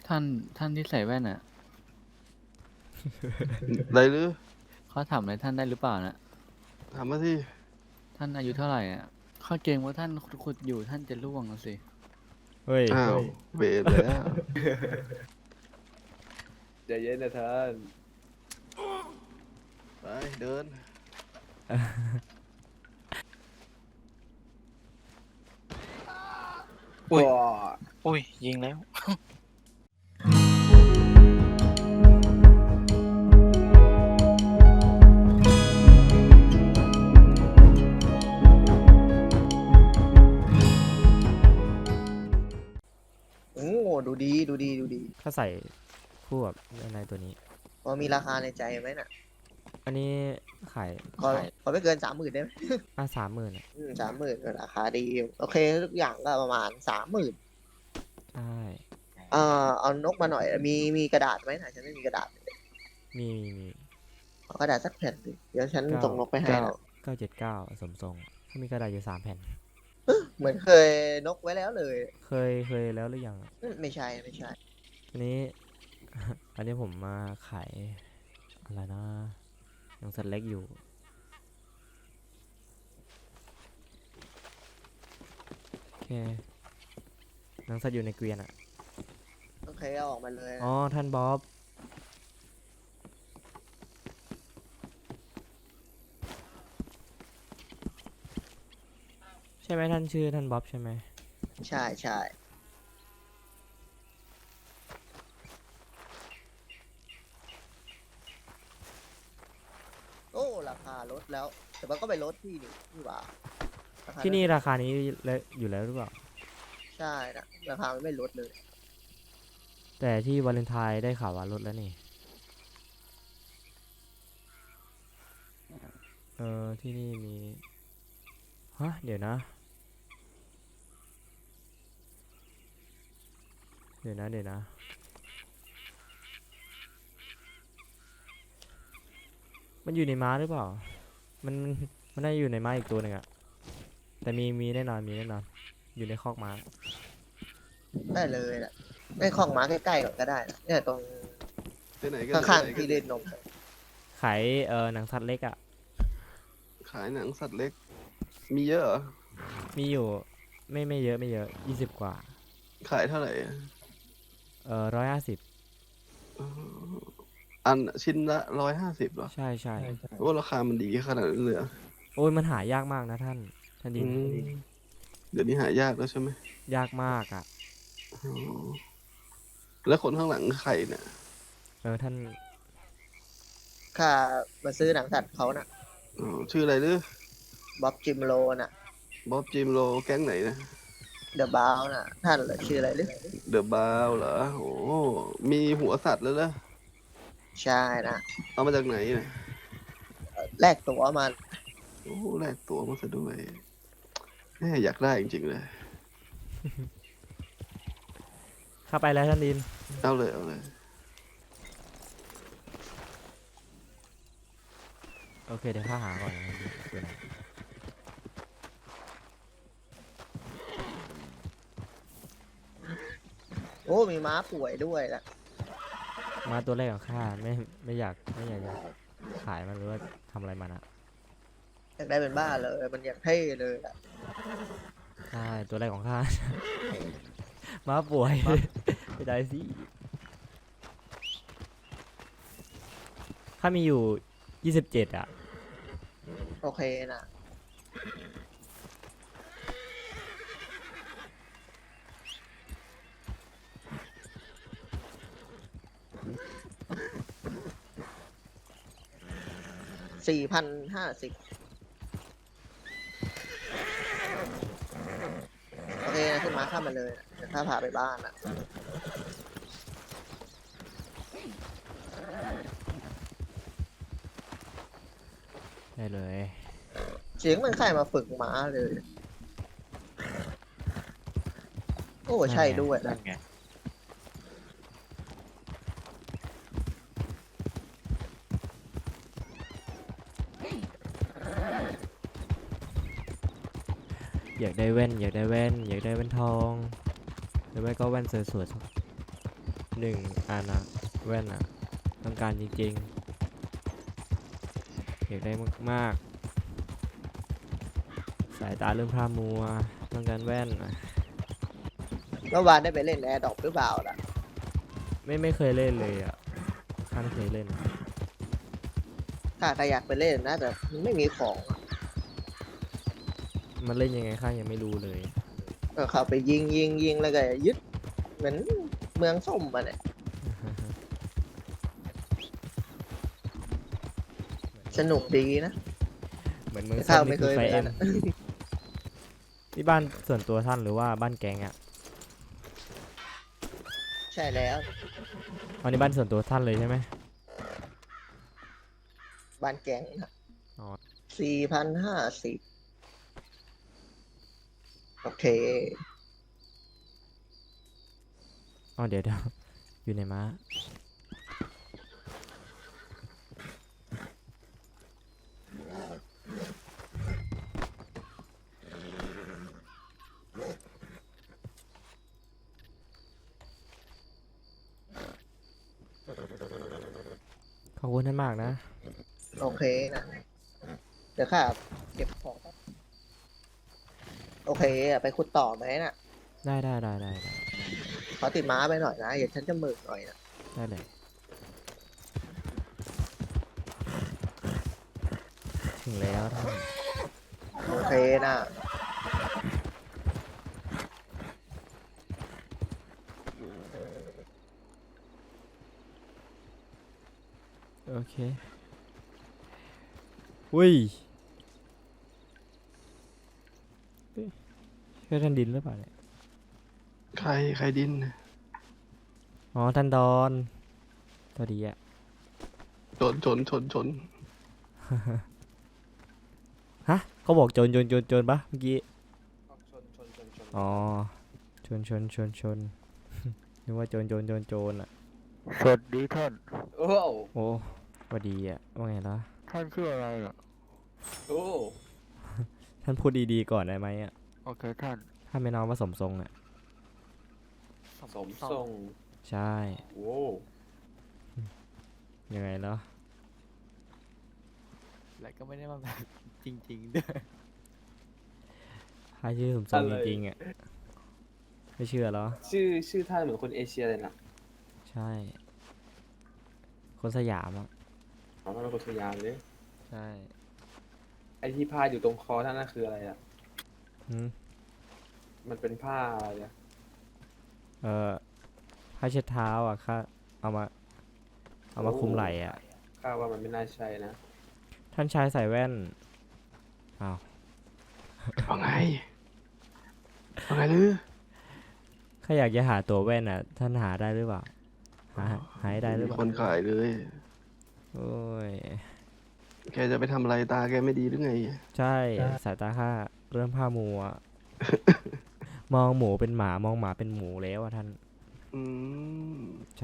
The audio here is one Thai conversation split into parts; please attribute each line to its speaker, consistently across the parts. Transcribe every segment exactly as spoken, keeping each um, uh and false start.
Speaker 1: ท่านท่านที่ใส่แว่นอ่ะ
Speaker 2: ได้หรือ
Speaker 1: เขาถามอะไรท่านได้หรือเปล่านะ
Speaker 2: ถามมาที่
Speaker 1: ท่านอายุเท่าไหร่อ่ะข้าเกรงว่าท่านขุดๆอยู่ท่านจะร่วงนะสิ
Speaker 3: เฮ้ย
Speaker 2: อ้าวเวรแล้ว
Speaker 4: ใจเย็นนะท่าน
Speaker 2: ไปเดิน
Speaker 5: อุ้ย
Speaker 4: ว้า
Speaker 5: อุ้ย ยิงแล้ว
Speaker 6: โอ้ดูดีดูดีดูดี
Speaker 3: ถ้าใส่คู่กับในตัวนี้
Speaker 6: พอมีราคาในใจไหมน่ะ
Speaker 3: อันนี้ขาย
Speaker 6: ขอ
Speaker 3: ขาย
Speaker 6: ขอไม่เกินสามหมื่นได้ไหม
Speaker 3: อ่ะสามหมื่นอ่ะ
Speaker 6: สามหมื่นราคาดีโอเคทุกอย่างก็ประมาณสามหมื่น
Speaker 3: ใช่
Speaker 6: เอ่อเอานกมาหน่อย มีมีกระดาษไหมน่ะฉันไม่มีกระดาษ
Speaker 3: มีมีมี
Speaker 6: เอากระดาษสักแผ่นดิเดี๋ยวฉัน
Speaker 3: เก้า
Speaker 6: ส่งนกไปให้
Speaker 3: เก้า
Speaker 6: นะ
Speaker 3: เก้าเจ็ดเก้าสมทรงถ้ามีกระดาษอยู่สามแผ่น
Speaker 6: เหมือนเคยนกไว้แล้วเลย
Speaker 3: เคยเคยแล้วหรือยัง
Speaker 6: อืมไม่ใช่ไม่ใช่
Speaker 3: อันนี้ อันนี้ผมมาขายอะไรนะยังสัตว์เล็กอยู่โอเคหนังสัตว์อยู่ในเกวียนอ่ะ
Speaker 6: โอเคเอาออกมาเลยนะ
Speaker 3: อ๋อท่านบ๊อบใช่ไหมท่านชื่อท่านบ๊อบใช่ไหม
Speaker 6: ใช่ใช่โอ้ราคาลดแล้ว แต่มันก็ไปลดที่นี่นี่หว่าราคา
Speaker 3: ที่นี่ราคานี้เลยอยู่แล้วหรือเปล่า
Speaker 6: ใช่นะราคามันไม่ลดเลย
Speaker 3: แต่ที่วาเลนไทน์ได้ข่าวว่าลดแล้วนี่ เออที่นี่มี ฮะ เดี๋ยวนะ เดี๋ยวนะ เดี๋ยวนะ มันอยู่ในม้าหรือเปล่า มันมันมันน่าจะอยู่ในม้าอีกตัวหนึ่งอะแต่มีมีแน่นอนมีแน่นอน อยู่ในคอกม้า
Speaker 6: ได้เลยแหละไม่คลองม้าใกล้ๆก่อนก็ได้นะเนี่ยตรง
Speaker 2: ไปไหนกัน
Speaker 6: ข้าง
Speaker 2: ไปไหน
Speaker 6: ๆ
Speaker 2: กั
Speaker 6: ที่เล่นนม
Speaker 3: ขายเออหนังสัตว์เล็กอะ
Speaker 2: ขายหนังสัตว์เล็ก มีเยอะเหรอ
Speaker 3: มีอยู่ไม่ไม่เยอะไม่เยอะยี่สิบกว่า
Speaker 2: ขายเท่าไหร่อะ
Speaker 3: เออร้อยห้าสิบ
Speaker 2: อันชิ้นละร้อยห้าสิบเหรอ
Speaker 3: ใช่ใช่
Speaker 2: โอ้ราคามันดีขนาดนั้นเลยเหรอ
Speaker 3: โอ้ยมันหายากมากนะท่าน ท่านดิ
Speaker 2: อื
Speaker 3: น
Speaker 2: มเดี๋ยวนี้หายากแล้วใช่ไหม
Speaker 3: ยากมากอะ
Speaker 2: อ๋อแล้วคนข้างหลังใครเนี่ย
Speaker 3: เออท่าน
Speaker 6: ค่ามาซื้อหนังสัตว์เขาน่ะ
Speaker 2: อ๋อชื่ออะไรหรือ
Speaker 6: บ๊อบจิมโลน่ะ
Speaker 2: บ๊อบจิมโรแก๊งไหนนะ
Speaker 6: เดอะบาวน่ะ ท่านเหรอชื่ออะไรหรือ
Speaker 2: เดอะบาวเหรอโอ้มีหัวสัตว์แล้วเหรอ
Speaker 6: ใช่นะ
Speaker 2: เอามาจากไหนเนี่ย
Speaker 6: แลกตั๋วมา
Speaker 2: โอ้แลกตัวมาซะด้วยแม่อยากได้จริงๆเลย
Speaker 3: เข้าไปแล้วท่านดิน
Speaker 2: เอาเลยเอาเลย
Speaker 3: โอเคเดี๋ยวข้าหาก่อนนะดูหน่อย
Speaker 6: โอ้มีม้าป่วยด้วยละ
Speaker 3: มาตัวแรกของข้าไม่ไม่อยากไม่อยากจะขายมันหรือว่าทำอะไรมันอะ
Speaker 6: อยากได้เป็นบ้าเลยมันอยากเท่เลยล่ะ
Speaker 3: ใช่ตัวแรกของข้า มาป่วย ไม่ได้สิข้ามีอยู่ยี่สิบเจ็ดอะ
Speaker 6: โอเคนะสี่พันห้าสิบโอเคนะขึ้นมาข้ามมาเลยนะเดี๋ยวข้าพาไปบ้านนะ
Speaker 3: ได้เลย
Speaker 6: เสียงมันใครมาฝึกม้าเลย โอ้ใช่ด้วย
Speaker 5: นั่
Speaker 6: นะ
Speaker 5: นไง
Speaker 3: อยากได้แว่นอยากได้แว่นอยากได้แว่นทองหรือไม่ก็แว่นสวยๆสักหนึ่งอันอะแว่นอะต้องการจริงๆอยากได้มากๆสายตาเริ่มพร่ามัวต้องการแว่นอะ
Speaker 6: เมื่อวานได้ไปเล่นแอร์ดรอปหรือเปล่าล่ะ
Speaker 3: ไม่ไม่เคยเล่นเลยอ่ะข้าไม่เคยเล่นอะ
Speaker 6: ถ้าใครอยากไปเล่นนะแต่มันไม่มีของอะ
Speaker 3: มันเล่นยังไงข้ายังไม่รู้เลย
Speaker 6: ก็เข้าไปยิงยิงยิงแล้วก็ยึดเหมือนเมืองส้มมาเนี่ยสนุกดีนะ
Speaker 3: เหมือนเมือง
Speaker 6: แต่
Speaker 3: ส้
Speaker 6: ข้าม ว
Speaker 3: นี่
Speaker 6: ไม่เค
Speaker 3: คือย ไฟ
Speaker 6: ไป
Speaker 3: เอ็
Speaker 6: นั่
Speaker 3: ม
Speaker 6: นอะ
Speaker 3: นี่บ้านส่วนตัวท่านหรือว่าบ้านแก๊งอ่ะ
Speaker 6: ใช่แล้ว
Speaker 3: อันนี้บ้านส่วนตัวท่านเลยใช่ไหม
Speaker 6: บ้านแก๊ง
Speaker 3: อ๋อ
Speaker 6: สี่พันห้าสิบโอเค
Speaker 3: อ๋อเดี๋ยวเดี๋ยวอยู่ในม้าขอบคุณท่านมากนะ
Speaker 6: โอเคนะเดี๋ยวข้าเก็บของแป๊บโอเคอะไปขุดต่อไหมน่ะ
Speaker 3: ได้ได้ได้ได้ได้
Speaker 6: ขอติดม้าไปหน่อยนะอย่าฉันจะหมึกหน่อยนะ
Speaker 3: ได้เลยถึงแล้วท่าน
Speaker 6: โอเคนะ
Speaker 3: โอเคอุ้ยเฮ้ยใช่ท่านดินหรือเปล่าเนี่ย
Speaker 2: ใครใครดิน
Speaker 3: อ๋อท่านดอนสวัสดีอะ
Speaker 2: ชนชนชนชน
Speaker 3: ฮะเขาบอกโจรโจรโจรโจรปะเมื่อกี้
Speaker 6: ชนชนชนชน
Speaker 3: อ๋อชนชนชนชน นึกว่าโจรโจรโจรโจรอะ
Speaker 1: สวัสดีท่าน
Speaker 6: โอ้
Speaker 3: โอ้สวัสดีอะว่าไงล่ะ
Speaker 1: ท่านชื่ออะไรอ่ะ
Speaker 6: โอ้
Speaker 3: ท่านพูดดีๆก่อนได้ไหมอะ
Speaker 1: โอเคท่าน
Speaker 3: ถ้าไม่น้องว่าสมทรงอะ
Speaker 6: สมทรง
Speaker 3: ใช่
Speaker 6: โอ้
Speaker 3: ยังไงเนาะ
Speaker 1: และก็ไม่ได้มาแบบจริงๆด้วย
Speaker 3: ถ้าชื่อสมทรงจริงๆอะไม่เชื่อเหรอ
Speaker 4: ชื่อชื่อท่านเหมือนคนเอเชียเลยนะ
Speaker 3: ใช่ คนสยามอะ
Speaker 4: อ๋อท่านเป็นคนสยามเลย
Speaker 3: ใช่
Speaker 4: ไอที่ผ้าอยู่ตรงคอท่านนั่นคืออะไรอ่ะ
Speaker 3: หืม
Speaker 4: มันเป็นผ้าอะไรอะ
Speaker 3: เออผ้าเช็ดเท้าอะค่ะเอามาเอามาคลุมไหล่อะ
Speaker 4: ข้าว่ามันไม่น่าใช่นะ
Speaker 3: ท่านชายใส่แว่นอ้าว
Speaker 2: ว่าไงว่าไงลือ
Speaker 3: ข้าอยากจะหาตัวแว่นอ่ะ ท่านหาได้หรือเปล่า หาหาให้ได้หรือ
Speaker 2: มี
Speaker 3: เปล่า
Speaker 2: คนขายเลย
Speaker 3: โอ้ย
Speaker 2: แกจะไปทำอะไรตาแกไม่ดีหรือไง
Speaker 3: ใช่ สายตาข้าเริ่มผ้ามัว มองหมูเป็นหมามองหมาเป็นหมูแล้วอะท่าน
Speaker 2: อืม
Speaker 3: ใช่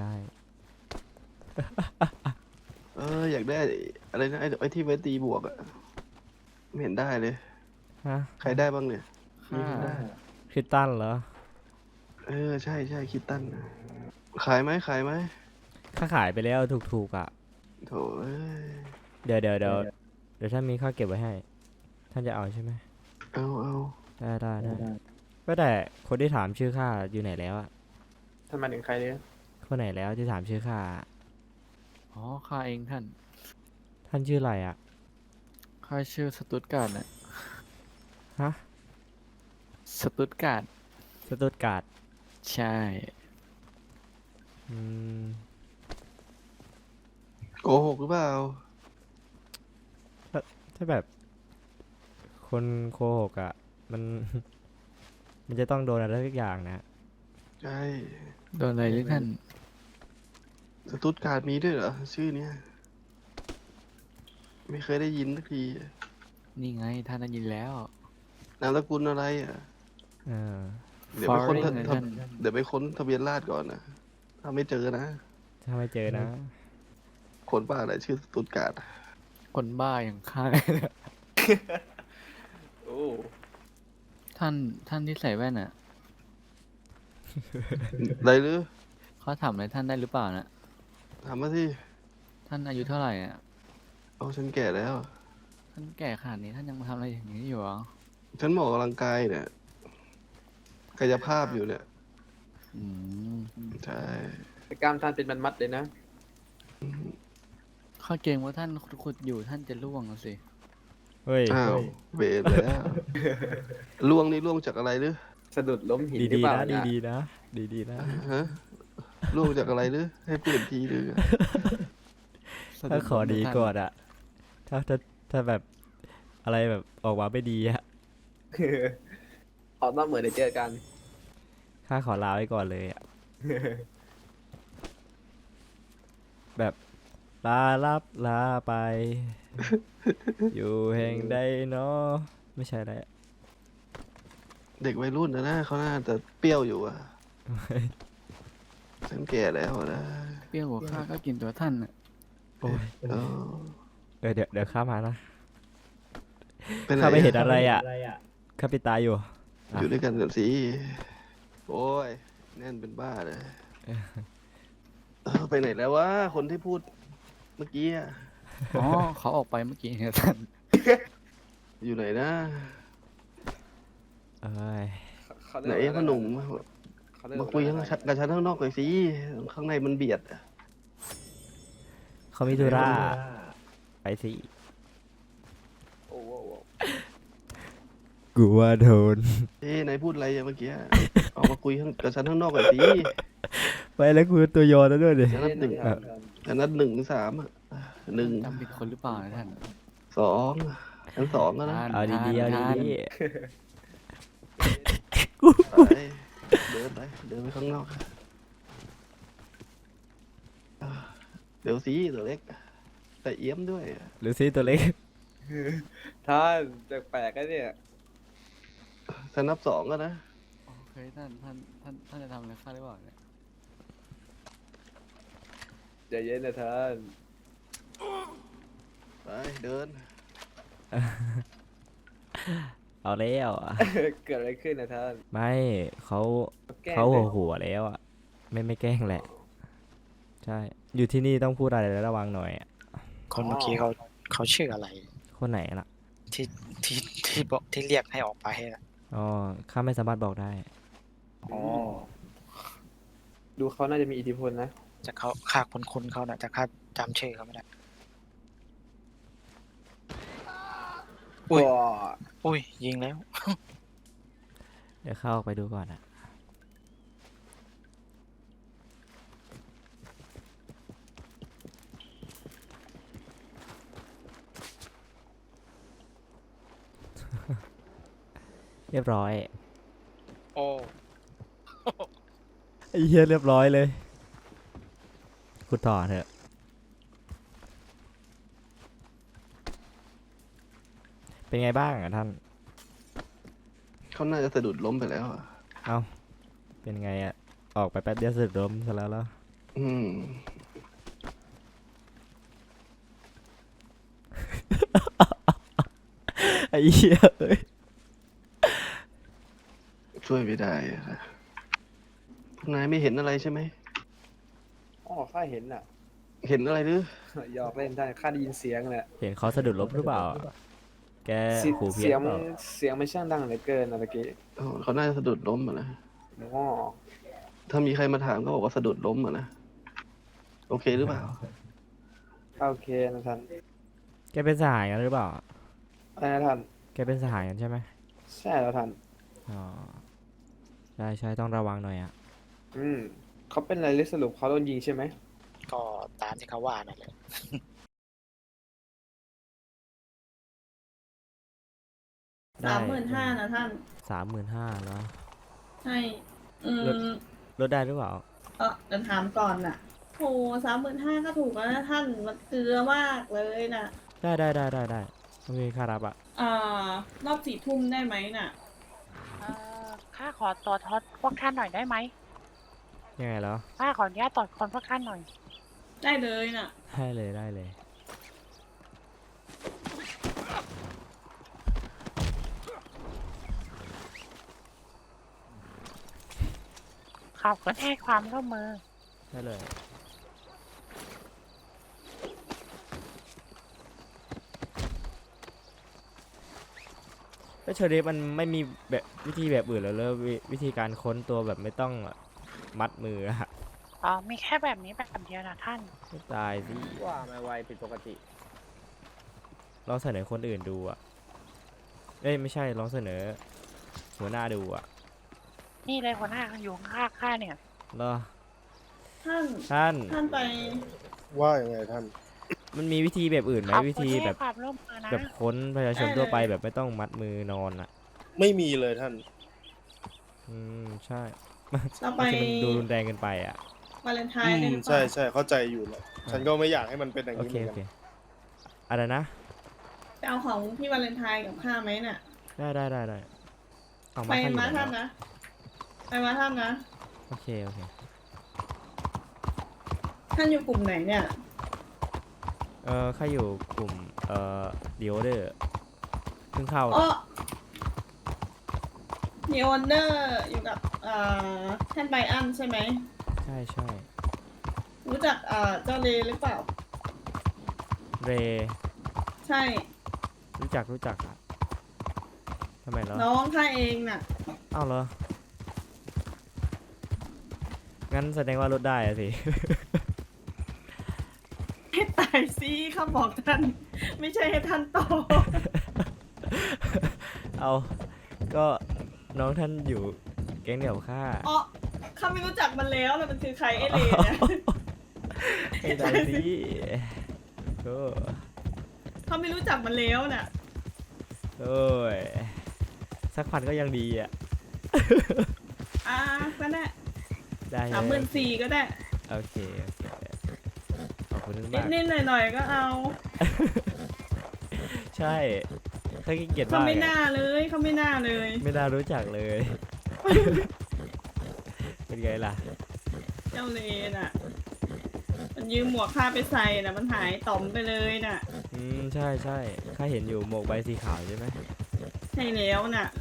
Speaker 2: เอออยากได้อะไรนะไอ้ไอ้ที่ไว้ตีบวกอะไม่เห็นได้เลย
Speaker 3: ฮะ
Speaker 2: ใครได้บ้างเนี่ย
Speaker 1: ค่า
Speaker 3: คริสตันเหรอ
Speaker 2: เออใช่ใช่คิดตั้นนะขายไหมขายไหม
Speaker 3: ข้าขายไปแล้วถูกๆอ่ะ
Speaker 2: โถเอ้ย
Speaker 3: เดี๋ยวเดี๋ยวเดี๋ยวเดี๋ยวท่านมีข้าวเก็บไว้ให้ ท่านจะเอาใช่ไหม
Speaker 2: เอาเอา
Speaker 3: ได้ได้ได้ก็แต่คนที่ถามชื่อข้าอยู่ไหนแล้วอะ
Speaker 4: ท่านหมายถึงใครเนี่ย
Speaker 3: คนไหนแล้วที่ถามชื่อข้า
Speaker 1: อ๋อข้าเองท่าน
Speaker 3: ท่านชื่ออะไรอะ
Speaker 1: ข้าชื่อสตุตการ์ดนะ
Speaker 3: ฮะ
Speaker 1: สตุตการ์ด
Speaker 3: สตุตการ์ด
Speaker 1: ใช่
Speaker 3: อืม
Speaker 2: โกหกหรือเปล่า
Speaker 3: ถ้าแบบ คนโกหกอะมัน มันจะต้องโดนอะไรสักอย่างนะ
Speaker 2: ใช่
Speaker 1: โดนอะไรหรือท่าน
Speaker 2: สตุตการ์ดมีด้วยเหรอ ชื่อเนี้ยไม่เคยได้ยินสักที
Speaker 1: นี่ไงท่านได้ยินแล้ว
Speaker 2: นามสกุลอะไรอ่ะ
Speaker 3: เออ
Speaker 2: เดี๋ยวไปค้น
Speaker 1: Foreign
Speaker 2: ทะ
Speaker 1: นะ
Speaker 2: ทะ
Speaker 1: ท่าน
Speaker 2: เดี๋ยวไปค้นทะเบียนราษฎร์ก่อนนะถ้าไม่เจอนะ
Speaker 3: ถ้าไม่เจอนะ
Speaker 2: คนบ้าอะไรชื่อสตุตการ์ด
Speaker 1: คนบ้าอย่างข้า
Speaker 4: โอ้
Speaker 1: ท่านท่านที่ใส่แว่นอ่ะ
Speaker 2: อะไรหรือ
Speaker 1: เขเขาถามอะไรท่านได้หรือเปล่านะ
Speaker 2: ถามมาสิ
Speaker 1: ท่านอายุเท่าไหร่อ่ะ
Speaker 2: เอาฉันแก่แล้ว
Speaker 1: ท่านแก่ขนาดนี้ท่านยังมาทำอะไรอย่างนี้อยู่เหรอ
Speaker 2: ฉันหมออกกำลังกายเนี่ยกายภาพอยู่เนี่ย
Speaker 1: อืม
Speaker 2: ใช่
Speaker 4: แต่กล้ามท่านเป็นมัดๆเลยนะ
Speaker 1: ข้าเกรงว่าท่านขุดอยู่ท่านจะล่วงอะสิ
Speaker 3: เฮ้ย
Speaker 2: อ้าวเวรแล้ว ล่วงนี่ล่วงจากอะไรหรือ
Speaker 4: สะดุดล้มหินหรือ
Speaker 3: ดี
Speaker 4: เป
Speaker 3: ๆ
Speaker 4: ล่า
Speaker 3: นะ
Speaker 4: เนี่ย
Speaker 3: ดีๆนะดีๆนะ
Speaker 2: ฮะล่วงจากอะไรหรือ ให้เปลี่ยนทีหรือ
Speaker 3: ถ้าขอดีก่อนอะถ้าถ้าถ้าแบบอะไรแบบออกมาไม่ดีอะ
Speaker 4: ออกนอกเหมือนได้เจอกัน
Speaker 3: ข้าขอลาไว้ก่อนเลยอะแบบลาลับลาไป อยู่แห่งใดเนาะไม่ใช่แล้ว
Speaker 2: เด็กวัยรุ่นนะนะเขาน่าจะเปรี้ยวอยู่อ่ะ ฉันแก่แล้วนะ
Speaker 1: เปรี้ยวหัวข้าก็กินตัวท่านน่ะ
Speaker 3: โอ้ย
Speaker 2: เออ
Speaker 3: เออเดี๋ยวเดี๋ยวข้ามานะ
Speaker 2: ไปไหน
Speaker 3: ข้าไม่เห็น
Speaker 2: อะ
Speaker 3: อะไรอะข้าปิดตาอยู่
Speaker 2: อยู่ด้วยกันกันสิ โอ้ย แน่นเป็นบ้าเลยเออไปไหนแล้ววะ คนที่พูดเมื่อกี้อะ
Speaker 1: อ๋อเขาออกไปเมื่อกี้เนี่ยท่าน
Speaker 2: อยู่ไหนนะ
Speaker 3: เอ้ย
Speaker 4: เขา
Speaker 2: ไหน
Speaker 4: เรียก
Speaker 2: พ่อ
Speaker 4: ว่า
Speaker 2: หนุ่ม
Speaker 4: เขาเรียก
Speaker 2: มา
Speaker 4: ว่า
Speaker 2: คุย
Speaker 4: อะไร
Speaker 2: ข้างกับฉันข้างนอกหน่อยสิ ข้างในมันเบียดอะ
Speaker 3: เขามีธุระไปสิ
Speaker 4: โอ้โห
Speaker 3: กูว่าโดน
Speaker 2: เอ้ยนายพูดอะไรอะเมื่อกี้ ออกมาคุยข้างกับฉันข้างนอกหน่อยสิ
Speaker 3: ไปแล้วกูตัวยอแล้วด้วยดิ
Speaker 2: ฉันนับหนึ่ง
Speaker 4: ครับ
Speaker 2: ฉันนับหนึ่งถึงสามอะหนึ่ง
Speaker 1: จำผิดคนหรือเปล่านะท่าน
Speaker 2: สองฉันสองแล้วนะ
Speaker 1: ท่าน
Speaker 3: เอาดีๆเอา
Speaker 1: ท่าน
Speaker 3: ดี
Speaker 2: ไปเดินไป เดินไปข้างนอกเดี๋ยวสิตัวเล็ก แต่เอี้ยมด้วย
Speaker 3: ๆหรือซีตัวเล็ก
Speaker 4: ท่านแปลกๆนะเนี่ย
Speaker 2: ฉันนับสองก็นะ
Speaker 1: โอเคท่านท่านท่านท่านจะทำอะไรข้าหรือเปล่าเนี่ย
Speaker 4: ใจเย็นนะท่าน
Speaker 2: ไปเดิน
Speaker 3: เอาแล้วอะ
Speaker 4: เกิดอะไรขึ้นนะท่าน
Speaker 3: ไม่เขา
Speaker 4: แกล้ง
Speaker 3: เขา
Speaker 4: ล
Speaker 3: หั
Speaker 4: ยว
Speaker 3: หัวแล้วอ่ะไม่ไม่แกล้งแหละ ใช่ อยู่ที่นี่ต้องพูดอะไรระวังหน่อยอะ
Speaker 5: คนเมื่อกี้เขาเขาชื่ออะไร
Speaker 3: คนไหนล่ะ
Speaker 5: ที่ที่ที่บอกที่เรียกให้ออกไปน่ะ
Speaker 3: อ๋อข้าไม่สามารถบอกได้
Speaker 5: อ๋อ
Speaker 4: ดูเขาน่าจะมีอิทธิพลนะ
Speaker 5: จะเขาค่าคุ้นคุ้นๆเขานะแต่ค่าจำชื่อเขาไม่ได้ อุ้ย
Speaker 4: ว้า
Speaker 5: อุ้ย ยิงแล้ว
Speaker 3: เดี๋ยวเข้าออกไปดูก่อนอ่ะ เรียบร้อย
Speaker 5: โอ้
Speaker 3: ไอ้เหี้ยเรียบร้อยเลยขุดต่อเถอะ เป็นไงบ้างอ่ะท่าน
Speaker 2: เขาน่าจะสะดุดล้มไปแล้วอะ
Speaker 3: เอ้า เป็นไงอ่ะ ออกไปแป๊บเดียวสึกล้มซะแล้วแล้ว
Speaker 2: อืม
Speaker 3: ไอ้เหี้ยเอ้ย
Speaker 2: ช่วยไม่ได้อะนะพวกนายไม่เห็นอะไรใช่ไหม
Speaker 4: อ๋อข้าเห็นน่ะ
Speaker 2: เห็นอะไรหรือ
Speaker 4: หยอกเล่นท่านข้าได้ยินเสียงแหละ
Speaker 3: เห็นเขาสะดุดล้มหรือเปล่า แก
Speaker 4: เสีย
Speaker 3: หูเพี้
Speaker 4: เสี
Speaker 3: ย
Speaker 4: ย
Speaker 3: น
Speaker 4: ง
Speaker 3: เปล่า
Speaker 4: เสียงมันช่างดังเหลือเกินนะเมื่อกี้
Speaker 2: อ๋อเขาน่าจะสะดุดล้มอะนะ
Speaker 4: อ๋อ
Speaker 2: ถ้ามีใครมาถามก็บอกว่าสะดุดล้มอะนะ โอเคหรือเปล่า
Speaker 4: โอเคนะท่าน
Speaker 3: แกเป็นสหายกันหรือเปล่า
Speaker 4: อะไรนะท่าน
Speaker 3: แกเป็นสหายกันใช่ไหม
Speaker 4: ใช่แล้วท่าน
Speaker 3: อ๋อ ใช่ใช่ต้องระวังหน่อยอ่ะ
Speaker 4: อืมเขาเป็นอะไรหรือสรุปเขาโดนยิงใช่ไหม
Speaker 5: ก็ตามที่เขาว่านั่นแหละ
Speaker 3: ได้
Speaker 7: สามหมื่นห้านะท่าน
Speaker 3: สามหมื่นห้าแล้ว
Speaker 7: ใช่ อื
Speaker 3: ลด
Speaker 7: ม
Speaker 3: ลดได้หรือเปล่า
Speaker 7: เออเดี๋ยวถามก่อนน่ะโหสามหมื่นห้าก็ถูกแล้วนะท่าน มันเกลือมากเลยน่ะ
Speaker 3: ได้ได้ได้ได้ได้ต้องมีค่ารับอ่ะ
Speaker 7: อ่ารอบสี่ทุ่มได้ไหมน่ะ
Speaker 8: เอ่อข้าขอตรวจคนพวกท่านหน่อยได้ไหม
Speaker 3: ยังไงแล้ว
Speaker 8: ข้าขออนุญาตตรวจคนพวกท่านหน่อย
Speaker 7: ได้เลยน่ะ
Speaker 3: ได้เลยได้เลย
Speaker 8: ขอบคุณให้ความร่วมมือ
Speaker 3: ใช่เลยแล้วเชอรี่มันไม่มีแบบวิธีแบบอื่นแล้วเลยวิวิธีการค้นตัวแบบไม่ต้องมัดมืออะ
Speaker 8: อ๋อ มีแค่แบบนี้แบบเดียวนะท่าน
Speaker 3: ไม่ตายสิ
Speaker 4: ว่าไม่ไวผิดปกติ
Speaker 3: ลองเสนอคนอื่นดูอ่ะเอ้ยไม่ใช่ลองเสนอหัวหน้าดูอ่ะ
Speaker 8: นี่เลยหัวหน้าอยู่ข้างๆข้าเนี่ย
Speaker 3: เหรอ
Speaker 7: ท่าน
Speaker 3: ท่าน
Speaker 7: ท่านไป
Speaker 2: ว่ายังไงท่าน
Speaker 3: มันมีวิธีแบบอื่นไหม
Speaker 8: ขอบ
Speaker 3: วิ
Speaker 8: คุณ
Speaker 3: ธี
Speaker 8: ที่
Speaker 3: แบ
Speaker 8: ให้
Speaker 3: บ
Speaker 8: ความร่วมมือนะ
Speaker 3: แบบค้นประชาชนทั่วไปแบบไม่ต้องมัดมือนอนอ่ะ
Speaker 2: ไม่มีเลยท่าน
Speaker 3: อืมใช่
Speaker 7: เราไป
Speaker 3: บางทีมันดูรุนแรงเกินไปอ่ะ
Speaker 7: วาเลนไทน์กันดีกว่า
Speaker 2: ใช่ใช่เข้าใจอยู่แหละฉันก็ไม่อยากให้มันเป็นอย่าง
Speaker 3: โอ
Speaker 2: นี้
Speaker 3: เค
Speaker 2: เหมือน
Speaker 3: โอเค
Speaker 2: กัน
Speaker 3: อะไรนะ
Speaker 7: ไปเอาของพี่วาเลนไทน์กับข้าไหมน่ะ
Speaker 3: ได้ได้ได้ได้เอา
Speaker 7: ไป
Speaker 3: มาให้อยู่
Speaker 7: มา
Speaker 3: ไหน
Speaker 7: ท่าน
Speaker 3: แล้ว
Speaker 7: นะ ไปมาท่านนะ
Speaker 3: โอเคโอเค
Speaker 7: ท่านอยู่กลุ่มไหนเนี่ย
Speaker 3: เออข้าอยู่กลุ่มเอ่อดิโอเดอร์เพิ่งเข้า
Speaker 7: อ๋อมีออนเดอร์อยู่กับเอ่อท่านไบอันใช่ไหม
Speaker 3: ใช่ใช่
Speaker 7: รู้จักเอ่อเจ้าเลหรือเปล่า
Speaker 3: เร
Speaker 7: ใช่
Speaker 3: รู้จักรู้จักอะทำไมเหรอ
Speaker 7: น้องข้าเองน่ะ
Speaker 3: อ้าวเหรอ งั้นแสดงว่าลดได้อะสิ
Speaker 7: ให้ตายสิข้าบอกท่าน ไม่ใช่ให้ท่านตอบ
Speaker 3: เอาก็น้องท่านอยู่แก๊งเดียวกับข้า
Speaker 7: อ๋อข้าไม่รู้จักมันแล้วนะมันคือใครไอเลเนี่ย
Speaker 3: ไม่ได้สิโอ้
Speaker 7: ข้าไม่รู้จักมันแล้วน่ะ
Speaker 3: โอ้ยสักพันก็ยังดีอ่ะ
Speaker 7: อ่าก็ได้
Speaker 3: ได้
Speaker 7: สามหมื่นสี่ก็ได้
Speaker 3: โอเคโอเคขอบคุณ
Speaker 7: นิ
Speaker 3: มา
Speaker 7: ด
Speaker 3: ก
Speaker 7: นิดหน่อยหน่อยๆก็เอา
Speaker 3: ใช่ข้าขี้เกียจ
Speaker 7: เขา
Speaker 3: บ้าง
Speaker 7: ไม่
Speaker 3: อะ
Speaker 7: น่าเลยเขาไม่น่าเลย
Speaker 3: ไม่น่ารู้จักเลย เป็นไงล่ะ
Speaker 7: เจ้าเลน่ะ มันยืมหมวกข้าไปใส่น่ะ มันหายต่อมไปเลยน่ะ
Speaker 3: อืมใช่ใช่ข้าเห็นอยู่หมวกใบสีขาวใช่ไหม
Speaker 7: ใช่แล้วน่ะ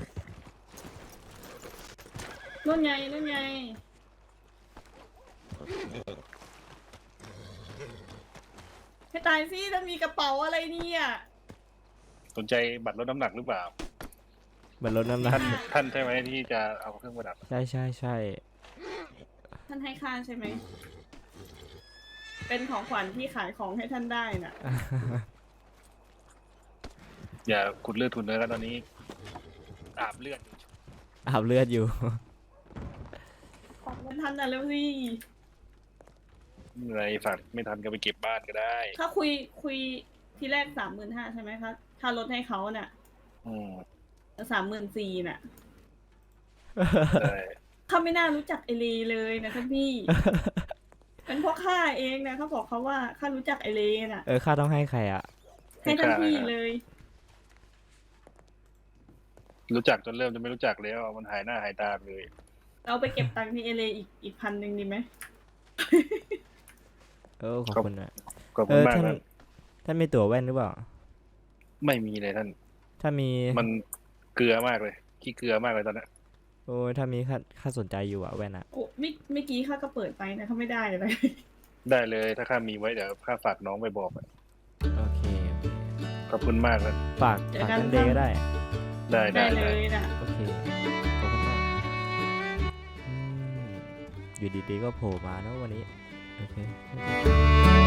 Speaker 7: นู่นไงนู่นไงให้ตายสิถ้ามีกระเป๋าอะไรเนี่ย
Speaker 9: สนใจบัตรลดน้ำหนักหรือเปล่า
Speaker 3: เหมือนรถน้ำหนัก
Speaker 9: ท่านท่านใช่ไหมที่จะเอาเครื่องประดับ
Speaker 3: ใช่ใช่ใช่
Speaker 7: ท่านให้ค่าใช่ไหม เป็นของขวัญที่ขายของให้ท่านได้น่ะ
Speaker 9: อย่าขุดเลือดทุนเนื้อกันตอนนี้ อาบเลือดอยู่
Speaker 3: อาบเลือดอยู่
Speaker 7: ขอบคุณท่านนะเร็วสิ
Speaker 9: อะไรฝากไม่ทันก็ไปเก็บบ้านก็ได้
Speaker 7: ถ้าคุยคุยทีแรกสามหมื่นห้าใช่ไหมคะถ้าลดให้เขาน่ะ
Speaker 9: อืม
Speaker 7: สามหมื่นสี่น่ะ
Speaker 9: ใช่
Speaker 7: เขาไม่น่ารู้จักไอเลเลยนะท่านพี่ เป็นเพราะข้าเองนะเขาบอกเขาว่าข้ารู้จักไอเลน่ะ
Speaker 3: เออข้าต้องให้ใครอ่ะ
Speaker 7: ให้ท่านพี่เลย
Speaker 9: รู้จักจนเริ่มจะไม่รู้จักแล้ว มันหายหน้าหายตาไปเลย
Speaker 7: เราไปเก็บตังค์ที่เอเลอีกอีกพันหนึ่งดีไหม
Speaker 3: เออขอบคุณอ่ะ
Speaker 9: ขอบ
Speaker 3: เอ
Speaker 9: คุณ
Speaker 3: อ
Speaker 9: มาก
Speaker 3: ท่าน
Speaker 9: นะ
Speaker 3: ท่านมีตั๋วแว่นหรือเปล่า
Speaker 9: ไม่มีเลยท่าน
Speaker 3: ถ้ามี
Speaker 9: มันเกลือมากเลยขี้เกลือมากเลยตอนนี้
Speaker 3: โอ้ยถ้ามีข้าข้าสนใจอยู่อ่ะแว่นอ่ะ
Speaker 7: โอ้เมื่อเมื่อกี้ข้าก็เปิดไปนะเขาไม่ได้เลย
Speaker 9: ได้เลยถ้าข้ามีไว้เดี๋ยวข้าฝากน้องไปบอกอะ
Speaker 3: โอเคโอเค
Speaker 9: ขอบคุณมากนะ
Speaker 3: ฝาก
Speaker 7: เดี๋ยว
Speaker 3: ฝาก
Speaker 7: กัน
Speaker 3: ท่านเดย์ก็ได้
Speaker 9: ได้
Speaker 7: ได้
Speaker 9: ได้
Speaker 7: เล
Speaker 9: ได้
Speaker 7: ยน่ะ
Speaker 3: โอเคขอบคุณมากอืมอยู่ดีๆก็โผล่มาเนอะวันนี้ โอเค